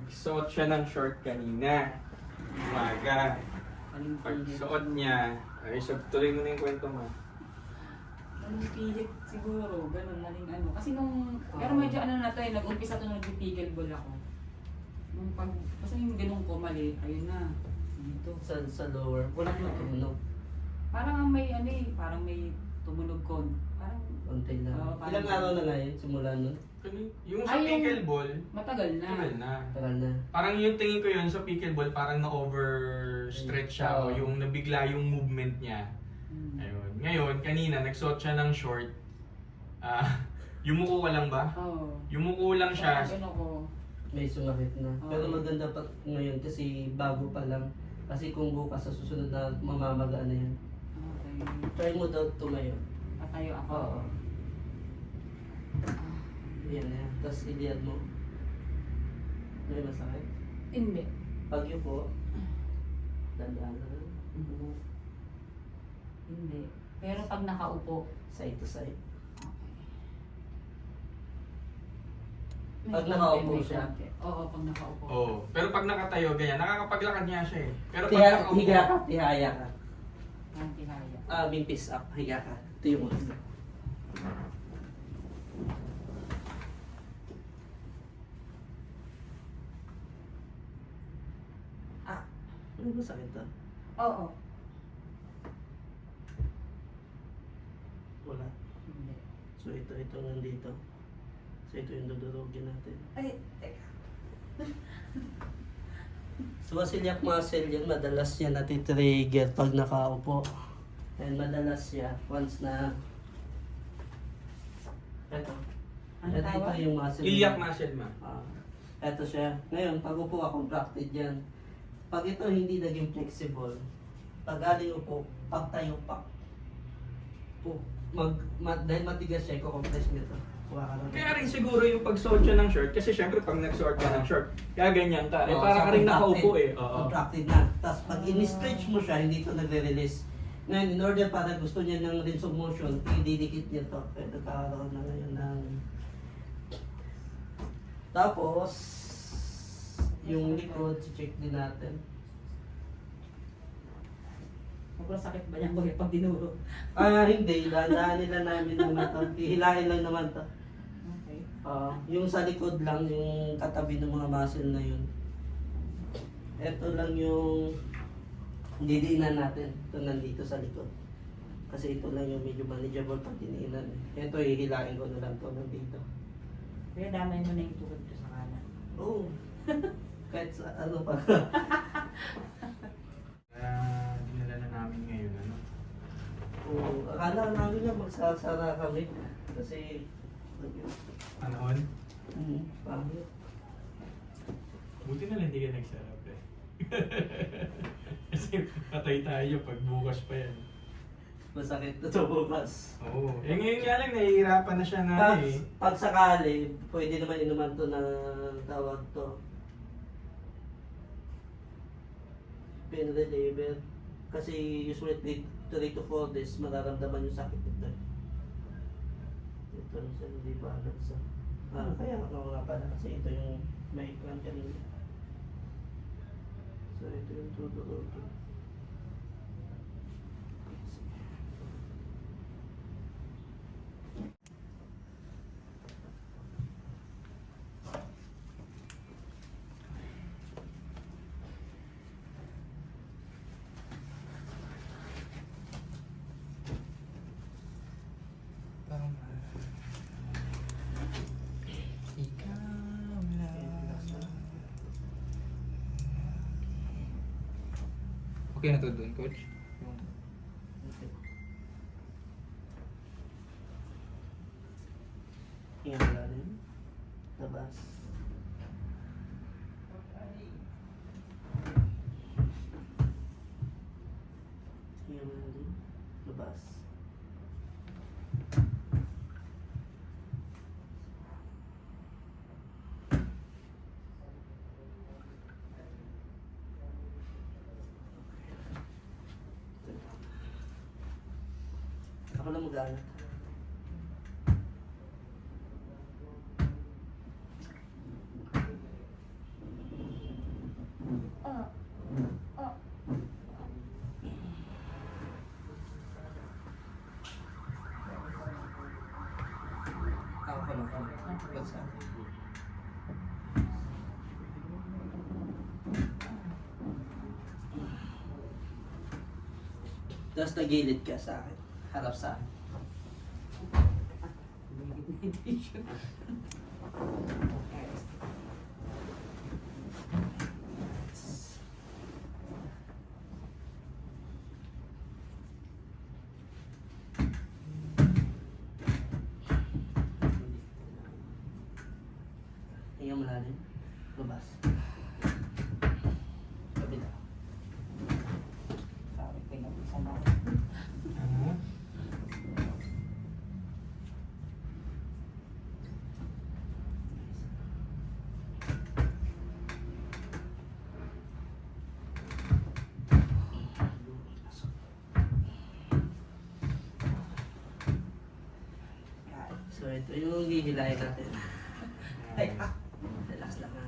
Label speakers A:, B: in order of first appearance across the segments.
A: Nagsuot siya ng short kanina. Umaga.
B: Anong pilit?
A: Pagsuot niya, ay tuloy mo na yung kwento mo.
B: Anong pilit siguro, ganun, naling ano. Kasi pero medyo ano na to eh, nag-umpisa to nung nag-pickleball ball ako. Nung basta yung ganun ko mali, ayun na. Dito.
C: Sa lower, wala naman tumunog.
B: Parang may ano eh, parang may tumunog ko. Parang
C: Konti na.
B: Oo, parang-
C: Ilang araw na nga yun, simula nun?
A: Yung sa pickleball,
B: matagal na.
A: tagal na.
C: Tagal na.
A: Parang yung tingin ko yun sa pickleball, parang na-overstretch siya o yung nabigla yung movement niya. Ayun. Ngayon, kanina, nagsuot siya ng short. Yumuko ka lang ba?
B: Oo.
A: Yumuko lang siya.
B: Tapos ano ko,
C: May sumakit na.
B: Oo.
C: Pero maganda pa ngayon kasi bago pa lang. Kasi kung bukas sa susunod na mamamaga na yan.
B: okay.
C: Try mo daw tumayo.
B: Patayo ako.
C: Oo. Yan na yan. Tapos iliyad mo. May masakit.
B: Hindi.
C: Pag po, dandaan na lang.
B: Hindi. Pero pag nakaupo,
C: Side to side.
B: may
C: Pag
B: konti,
C: nakaupo
B: may
C: siya?
B: konti. Oo, pag nakaupo.
A: Oo. Pero pag nakatayo, ganyan, nakakapaglakad niya siya eh. Pero pag nakaupo,
C: Higa ka, tihaya ka.
B: Ang tihaya.
C: May piece up, higa ka. Ito yung ulo. Ano ba sakit to?
B: Oo.
C: Wala.
B: Hindi.
C: So ito nandito. So ito yung dudurugin natin.
B: Ay, teka.
C: So celiac muscle yan, madalas yan natitrigger pag nakaupo. And madalas siya once na ito.
B: Ano
C: Ito
B: tawag?
C: yung muscle.
A: iliac muscle ma.
C: Ito siya. Ngayon, pag upo ka, contracted yan. Pag ito hindi naging flexible, pag aling upo, pag tayo pa. Dahil matigas siya, i-compress nito.
A: Kaya rin siguro yung pagsuot siya ng short, kasi syempre pag nagsuot ka ng short, kaya ganyan ka. Eh,
C: Oo,
A: para
C: so
A: ka rin
C: contracted.
A: nakaupo eh. Oo.
C: Contracted na. Tapos pag in-stretch mo siya, hindi ito nagre-release. Ngayon, in order para gusto niya ng range of motion, ididikit niya to. Kaya nagkakaroon na ngayon ng... Tapos, yung likod, check din natin.
B: Sobrang sakit ba niya pag dinuro?
C: Hindi. Dadaan nila namin naman to. Hihilahin lang naman to.
B: Okay.
C: Yung sa likod lang, yung katabi ng mga muscle na yun. Ito lang yung didiinan natin. Ito nandito sa likod. Kasi ito lang yung medyo manageable pag diniinan. Ito, hihilain ko na lang to nandito.
B: Kaya damay mo na yung tukod ko sa kanan.
C: Oo. Kahit sa ano pa.
A: Dinala na namin ngayon, ano?
C: Oo. Akala namin na magsasara kami. Kasi...
A: Panahon?
C: Pangit.
A: Buti na lang hindi ka nagsarap eh. Kasi patay tayo pag bukas pa yan.
C: Masakit na to bukas.
A: Oo. Eh ngayon nga lang, nahihirapan na siya na eh.
C: Pag sakali, pwede naman inuman to na tawag to. Pain reliever. Kasi usually 3 to 4 days mararamdaman yung sakit nito. Ito rin siya, hindi balance. Kaya ano nga pala kasi ito yung may kwan kanina. So ito yung tutulogin.
D: Okay na to doon, coach?
C: Hinga natin. Labas. Hinga natin. Labas. Ako na mag-anak. mo ka. Ikot sa akin. Tapos nagilid ka sa akin. Harap sa akin. Hinga malalim. Lumabas. Kabila.
B: Sabi ko yung isa na.
A: Ano?
C: So ito yung hihilahin natin. Ay, relax lang ha.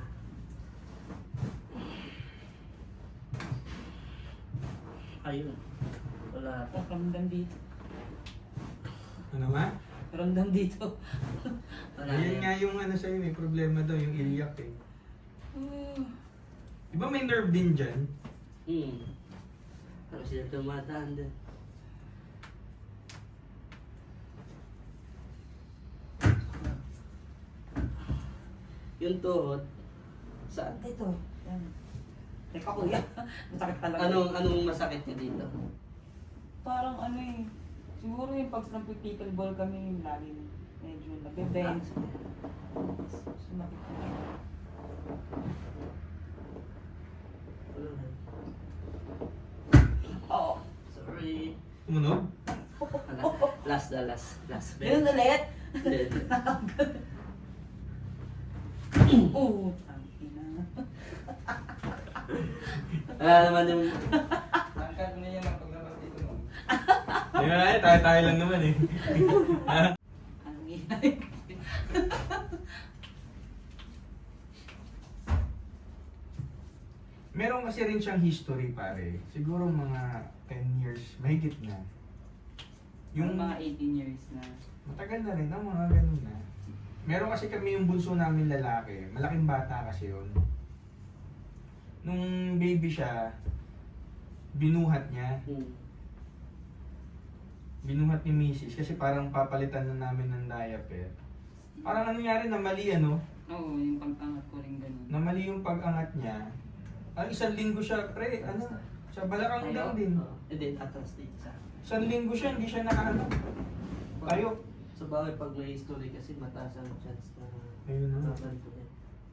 C: Ayun. Wala.
B: Oh, ramdam dito.
A: Ano nga?
B: Ramdam dito.
C: Wala.
A: Ayun nga yung ano sa'yo, may problema daw, yung iliac eh. Di ba may nerve din dyan?
C: Ano sila tumataan din. Yung tuhod, saan?
B: Ito. Yan. Teka kuya. Masakit talaga.
C: Anong masakit niya dito?
B: Parang ano eh. Siguro yung pag nagpipickleball kami, laging medyo nagbe-bend. Sumakit talaga.
C: Wala na.
B: Oo.
C: Sorry.
A: Tumunog?
C: Last. Last.
B: Ganun ulit?
C: Then,
B: Oo. Tangina.
C: wala naman yung...
D: Angkat mo na yan ang paglabas dito mo.
A: Di ba eh, tayo-tayo lang naman eh.
B: Ang inay.
A: Meron kasi rin siyang history pare. Siguro mga 10 years, mahigit na.
B: Yung mga 18 years na.
A: Matagal na rin, mga ganun na. Meron kasi kami yung bunso namin lalaki. Malaking bata kasi yun. Nung baby siya, binuhat niya. Binuhat ni Mrs. Kasi parang papalitan na namin ng diaper. Parang ano nangyari na mali ano?
B: Oo, yung pag-angat ko rin ganun.
A: Na mali yung pag-angat niya. Ang isang linggo siya, pre, ano? Sa balakang lang din.
C: Hindi, atras dito sa akin.
A: Isang linggo siya, hindi siya nakaano. Tayo.
C: Sa bagay, pag may history kasi mataas ang chance na
A: Ayun na.
C: maganto yan.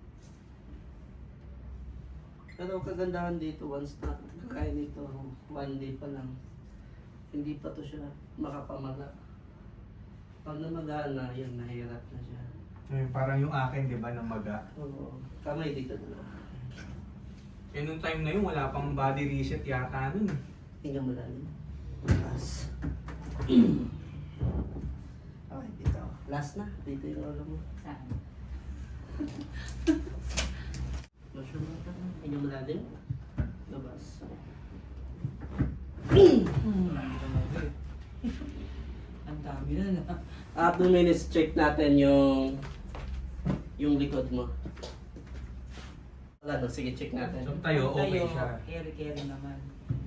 C: Pero kagandahan dito, once na kaya nito, one day pa lang, hindi pa to siya makapamaga. Pag namagaan na, yun, nahirap na siya.
A: Ayun, parang yung akin, di ba, na maga.
C: Oo, kamay dito na.
A: Eh, nung time na yun, wala pang body reset yata nun.
C: Tingnan mo lang. Last. Okay, dito. Last na. Dito yung ulo mo.
B: Saan?
C: Masya mo ka. Tingnan mo lang. Labas.
B: Ang dami na na.
C: After minutes, check natin yung likod mo. Wala no, sige, check natin.
A: So, tayo, okay
B: Tayo,
A: siya.
B: carry naman.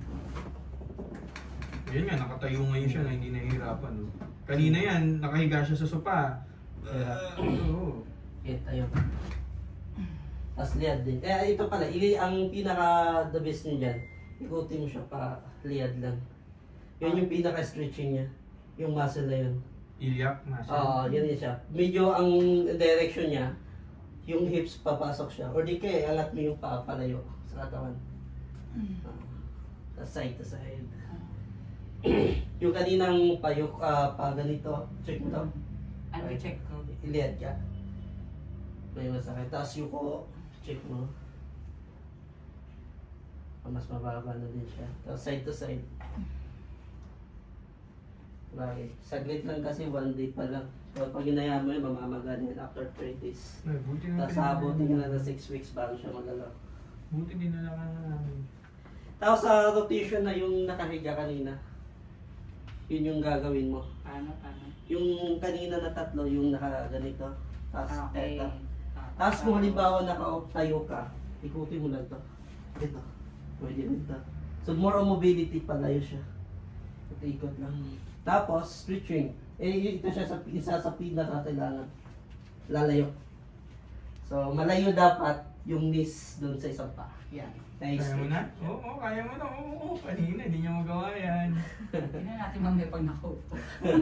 A: Yun nga, nakatayo ngayon siya na hindi nahihirapan. No? Kanina yan, nakahiga siya sa sopa. Oo.
C: Okay, tayo. Tapos liad din. Eh, ito pala, ang pinaka-the best niya dyan, ikutin mo siya pa liad lang. Yun yung pinaka-stretching niya. Yung muscle na yun.
A: Iliac, muscle.
C: Oo, yun siya. Medyo ang direction niya, yung hips papasok siya. Or di kaya, alat mo yung paa palayo sa katawan. Tapos side to side. Yung kaninang payok, pa ganito, check mo to.
B: Ano check ko?
C: Iliad ka. May masakit. Tapos yuko, check mo. Mas mababa na din siya. Tapos side to side. Bakit? Saglit lang kasi one day pa lang. So pag ginaya mo yun, mamamaga din after 3 days.
A: Ay, buti na
C: Tapos abutin nyo na 6 weeks bago siya magalaw.
A: Buti din na lang namin.
C: Tapos sa rotation na yung nakahiga kanina. Yun yung gagawin mo.
B: Paano?
C: Yung kanina na tatlo, yung nakaganito. Tapos
B: Okay.
C: eto. Tapos kung halimbawa tayo ka, ikutin mo lang to. Ito. Pwede rin to. So more on mobility, palayo siya. Ito ikot lang. Tapos stretching. Ito siya isa sa pinaka kailangan. Lalayo. So malayo dapat yung knees doon sa isang pa. Yan. Nice.
A: Kaya mo na? Oo, kaya mo na. Oo, kanina, hindi niya magawa yan.
B: Tingnan natin mamaya pag nakaupo.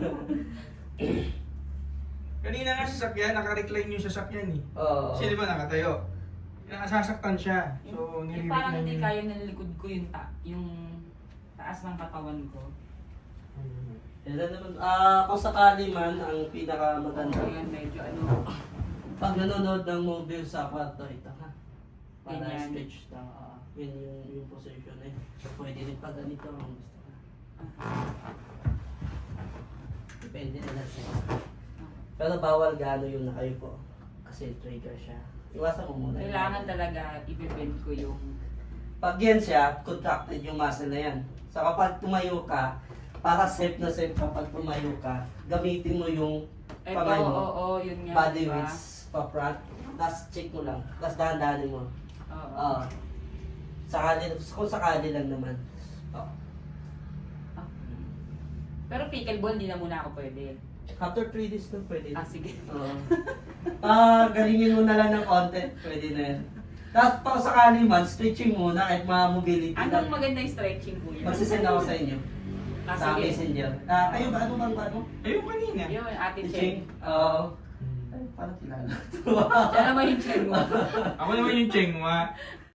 A: Kanina nga sasakyan, naka-recline yung sasakyan eh.
C: Oo.
A: Kasi di ba nakatayo? Nasasaktan siya. So,
B: Yung
A: nire-recline
B: parang hindi
A: yun.
B: kaya ng likod ko yung taas ng katawan ko.
C: Yan naman. Kung sakali man, ang pinaka maganda.
B: Ayan, medyo ano.
C: Pag nanonood ng movie sa kwarto, ito ha. Para
B: Ganyan.
C: stretch lang. Yun yung position eh. So pwede rin pag ganito kung gusto ka. Depende na lang sa'yo. Pero bawal gaano yung nakayupo. Kasi trigger siya. Iwasan mo muna.
B: Kailangan talaga i-bend ko yung
C: Pag yan siya, contracted yung muscle na yan. So kapag tumayo ka, para safe na safe kapag tumayo ka, gamitin mo yung
B: eto,
C: kamay mo.
B: oo, yun nga.
C: Body
B: diba?
C: weights pa front. Tapos check mo lang. Tapos dahan-dahanin mo.
B: Oo.
C: Kung sakali lang naman. Oo.
B: Pero pickleball, hindi na muna ako pwede.
C: After 3 days na pwede.
B: Ah, sige.
C: Oo. Galingin mo na lang ng content. Pwede na yan. Tapos pag sakali man, stretching muna kahit mobility
B: Anong
C: lang.
B: maganda yung stretching ko yun?
C: Magsisend ako sa inyo.
B: Ah,
C: Sa
B: sige.
C: messenger. Kayo ba? Ano bang ano?
A: Ayun kanina.
B: Yun, ate
C: Cheng?
B: Cheng.
C: Oo. Ay, parang kilala.
B: Siya naman yung Cheng mo.
A: Ako naman yung Chengwa.